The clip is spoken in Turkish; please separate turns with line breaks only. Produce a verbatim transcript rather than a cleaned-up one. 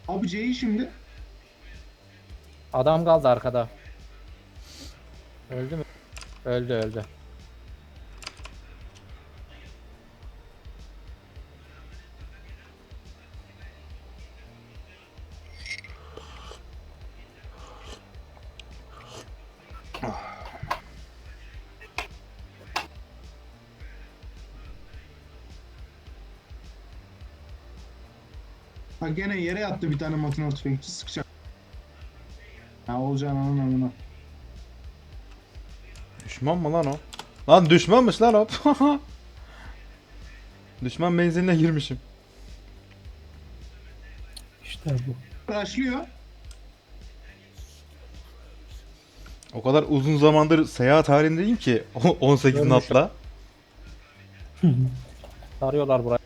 Abi C'yi şimdi.
Adam kaldı arkada. Öldü mü? Öldü öldü.
Bak gene yere yattı bir tane makinalı tüfekçi sıkacak. Ya olacağın anın amına.
Düşman mı lan o? Lan düşmanmış lan o. Düşman menziline girmişim.
İşte bu.
Başlıyor.
O kadar uzun zamandır seyahat halindeyim ki on sekiz
Görmüşüm.
natla.
Sarıyorlar burayı.